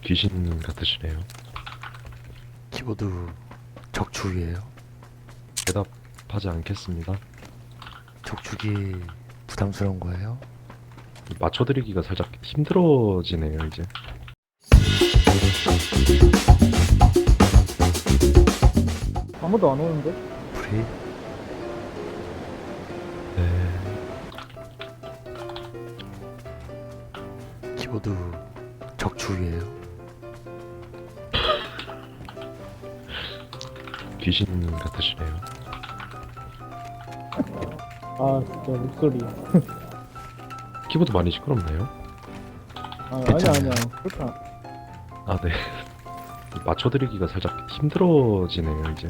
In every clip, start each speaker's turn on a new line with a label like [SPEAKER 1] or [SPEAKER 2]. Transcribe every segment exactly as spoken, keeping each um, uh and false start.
[SPEAKER 1] 귀신 같으시네요.
[SPEAKER 2] 키보드 적축이에요.
[SPEAKER 1] 대답하지 않겠습니다.
[SPEAKER 2] 적축이 부담스러운 거예요?
[SPEAKER 1] 맞춰드리기가 살짝 힘들어지네요, 이제.
[SPEAKER 3] 아무도 안 오는데?
[SPEAKER 2] 프리?
[SPEAKER 1] 네.
[SPEAKER 2] 키보드 적축이에요.
[SPEAKER 1] 귀신 같으시네요.
[SPEAKER 3] 아 진짜 목소리.
[SPEAKER 1] 키보드 많이 시끄럽나요?
[SPEAKER 3] 아, 아니야
[SPEAKER 2] 괜찮아요.
[SPEAKER 3] 아니야. 그렇게 안-
[SPEAKER 1] 아, 네. 맞춰드리기가 살짝 힘들어지네요, 이제.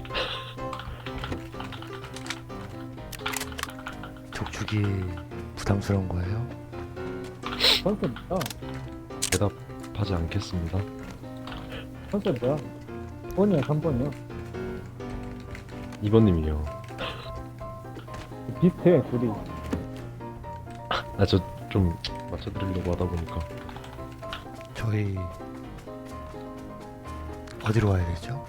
[SPEAKER 2] 적축이 부담스러운 거예요?
[SPEAKER 3] 컨셉 뭐야?
[SPEAKER 1] 대답하지 않겠습니다.
[SPEAKER 3] 컨셉 뭐야? 이 번이야 삼 번이야.
[SPEAKER 1] 이 번님이요.
[SPEAKER 3] 비슷해 둘이.
[SPEAKER 1] 아, 저 좀 맞춰드리려고 하다 보니까.
[SPEAKER 2] 저희 어디로 가야 되죠?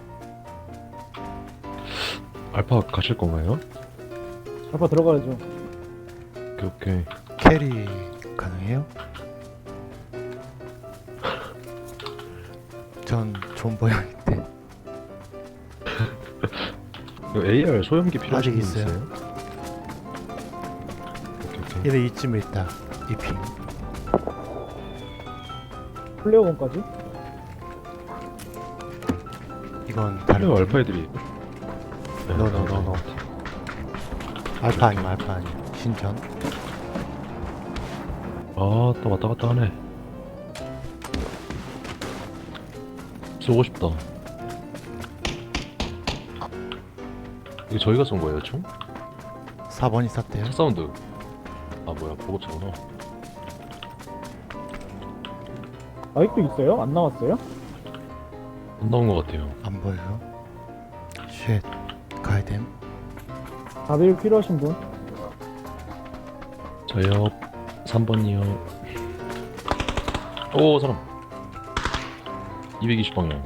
[SPEAKER 1] 알파 가실 건가요?
[SPEAKER 3] 알파 들어가야죠.
[SPEAKER 1] 오케이, 오케이.
[SPEAKER 2] 캐리 가능해요? 전 존버형인데
[SPEAKER 1] 이거 에이알 소형기 필요하신 분
[SPEAKER 2] 아직 있어요.
[SPEAKER 1] 있어요? 오케이, 오케이.
[SPEAKER 2] 얘네 이쯤에 있다. 이핑.
[SPEAKER 3] 플레어건까지?
[SPEAKER 2] 이건 다른
[SPEAKER 1] 플레어
[SPEAKER 2] 팀.
[SPEAKER 1] 알파 애들이. 네,
[SPEAKER 2] 노노노노. 알파 아니면 알파 아니야. 신전.
[SPEAKER 1] 아, 또 왔다 갔다 하네. 쏘고 싶다. 이거 저희가 쏜 거예요, 총?
[SPEAKER 2] 사 번이 쐈대요.
[SPEAKER 1] 차 사운드. 아, 뭐야, 보급차구나.
[SPEAKER 3] 아직도 있어요? 안 나왔어요?
[SPEAKER 1] 안 나온 것 같아요.
[SPEAKER 2] 안 보여요. 쉣. 가야됨.
[SPEAKER 3] 다들 필요하신 분?
[SPEAKER 1] 저요. 삼 번이요. 오, 사람. 이백이십 방향.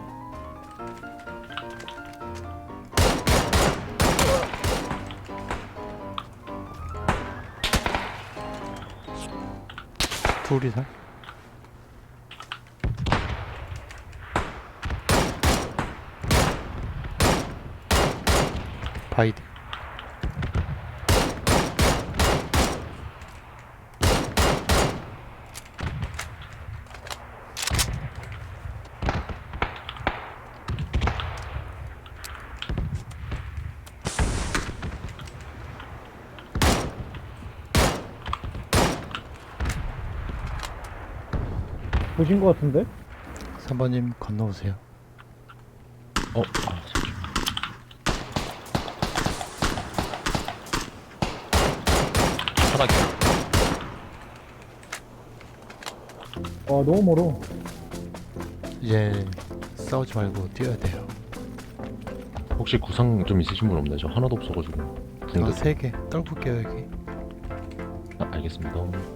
[SPEAKER 2] 둘이서. 바이드.
[SPEAKER 3] 보신 것 같은데?
[SPEAKER 2] 삼 번님 건너오세요.
[SPEAKER 1] 어, 아, 잠시만. 하나
[SPEAKER 3] 와 너무 멀어.
[SPEAKER 2] 이제 싸우지 말고 뛰어야 돼요.
[SPEAKER 1] 혹시 구상 좀 있으신 분 없나요? 저 하나도 없어가지고.
[SPEAKER 2] 아,
[SPEAKER 1] 붕대.
[SPEAKER 2] 세 개. 떨굴게요, 여기.
[SPEAKER 1] 아, 알겠습니다.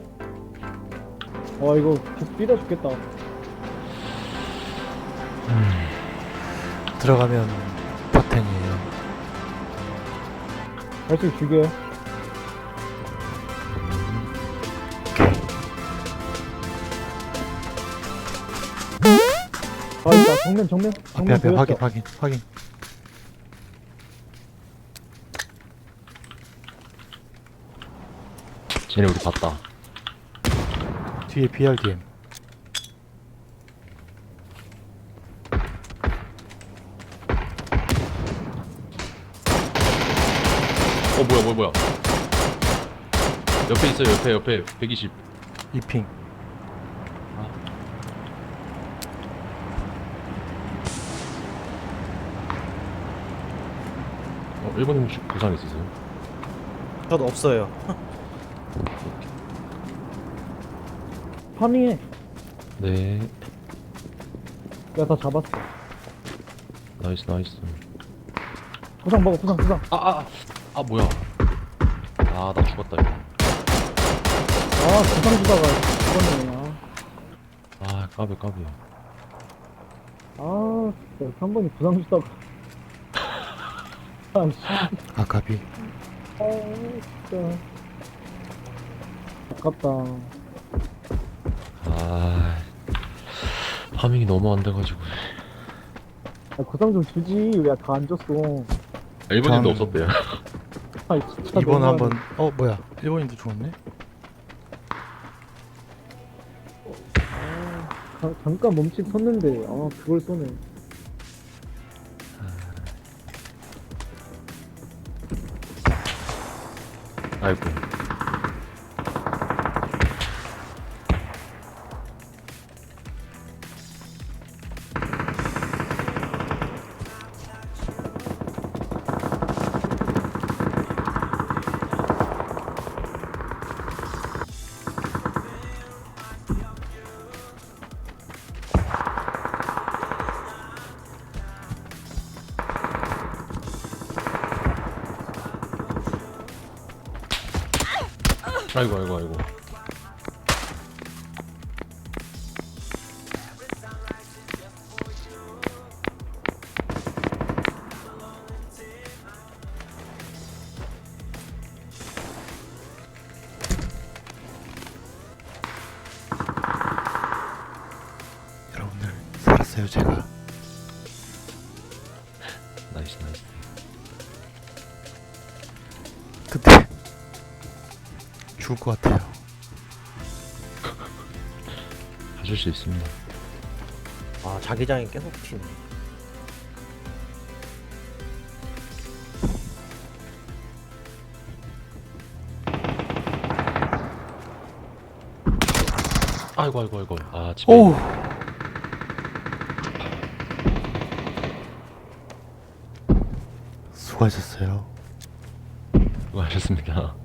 [SPEAKER 3] 와 이거 계속 뛰다 죽겠다.
[SPEAKER 2] 들어가면 버텐이에요.
[SPEAKER 3] 발씩 죽여. 아 있다 정면 정면
[SPEAKER 2] 앞에
[SPEAKER 3] 정면
[SPEAKER 2] 앞에
[SPEAKER 3] 보였어.
[SPEAKER 2] 확인 확인 확인.
[SPEAKER 1] 쟤네 우리 봤다.
[SPEAKER 2] 뒤에 비알디엠.
[SPEAKER 1] 어, 뭐야, 뭐야, 뭐야. 옆에 있어요, 옆에, 옆에. 백이십.
[SPEAKER 2] 이핑.
[SPEAKER 1] 어, 일 번님 혹시 구상 있으세요?
[SPEAKER 4] 저도 없어요.
[SPEAKER 3] 파밍해.
[SPEAKER 1] 네.
[SPEAKER 3] 내가 다 잡았어.
[SPEAKER 1] 나이스, 나이스.
[SPEAKER 3] 부상 먹어 부상 부상.
[SPEAKER 1] 아, 아, 아, 뭐야. 아, 나 죽었다, 이거.
[SPEAKER 3] 아 부상 주다가 죽었네. 아.
[SPEAKER 1] 아, 까비, 까비.
[SPEAKER 3] 아, 진짜 삼 번이 부상 주다가. 아, 씨.
[SPEAKER 2] 아까비.
[SPEAKER 3] 아, 진짜. 아깝다.
[SPEAKER 1] 아 파밍이 너무 안 돼가지고.
[SPEAKER 3] 아, 구상 좀 주지. 왜 다 안 줬어.
[SPEAKER 1] 일본인도
[SPEAKER 2] 전-
[SPEAKER 1] 없었대요.
[SPEAKER 3] 아, 진짜.
[SPEAKER 2] 이번
[SPEAKER 3] 너무하네.
[SPEAKER 2] 한번 어 뭐야 일본인도 죽었네.
[SPEAKER 3] 자, 잠깐 멈칫 섰는데, 아, 그걸 쏘네.
[SPEAKER 1] 아이고. 아이고 아이고 아이고.
[SPEAKER 2] 여러분들 살았어요 제가.
[SPEAKER 1] 나이스 나이스.
[SPEAKER 2] 그때 죽을 것 같아요.
[SPEAKER 1] 하실 수 있습니다.
[SPEAKER 4] 아 자기장이 계속 튀네.
[SPEAKER 1] 아이고 아이고 아이고. 아 집에.
[SPEAKER 2] 오. 수고하셨어요.
[SPEAKER 1] 수고하셨습니다.